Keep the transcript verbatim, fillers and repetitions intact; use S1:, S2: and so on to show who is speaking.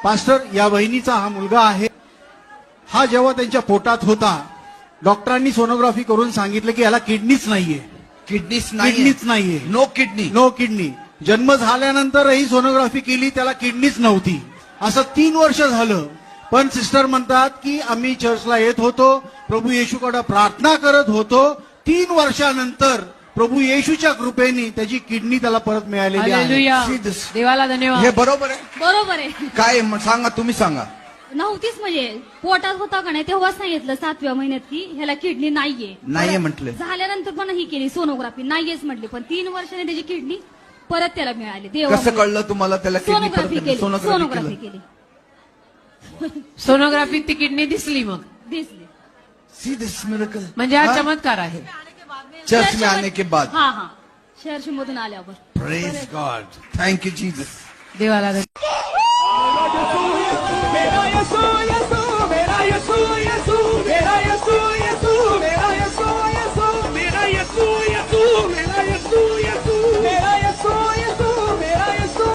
S1: Pastor, या बहिणीचा हा मुलगा आहे. हा जेव्हा त्यांच्या पोटात होता डॉक्टरांनी सोनोग्राफी करून सांगितलं की याला किडनीच नाहीये.
S2: किडनीच नाही,
S1: किडनीच नाहीये.
S2: No kidney.
S1: No kidney. जन्म झाल्यानंतरही सोनोग्राफी केली, त्याला किडनीच नव्हती. असं तीन वर्ष झालं. पण सिस्टर म्हणतात की आम्ही चर्चला येत होतो, प्रभू येशूकडे प्रार्थना करत होतो. तीन वर्षानंतर प्रभू येशूच्या कृपेने त्याची किडनी त्याला परत मिळालेली आहे.
S3: हालेलुया.
S2: See this.
S3: देवाला धन्यवाद.
S2: हे बरोबर आहे?
S4: बरोबर आहे.
S2: काय म- सांगा, तुम्ही सांगा.
S4: नव्हतीच म्हणजे पोटात होता का नाही तेव्हा सांगितलं सातव्या महिन्यात की ह्याला किडनी नाहीये.
S2: नाहीये
S4: परत
S2: म्हटलं.
S4: झाल्यानंतर पण ही केली सोनोग्राफी, नाहीयेच म्हटली. पण तीन वर्षाने त्याची किडनी परत त्याला मिळाली. देवा
S2: कसं कळलं तुम्हाला त्याला किडनी
S4: सोनोग्राफी
S2: परत?
S4: केली.
S2: सोनोग्राफी
S4: सोनोग्राफी
S2: केलं.
S4: केली
S3: सोनोग्राफीत ती किडनी दिसली, मग
S4: दिसली.
S2: See this miracle.
S3: म्हणजे हा
S2: हाँ?
S3: चमत्कार आहे.
S2: चर्च में आने के बाद.
S4: हा हा शहर मधून आल्यावर.
S2: Praise God. Thank you, Jesus.
S3: देवाला धन्यवाद.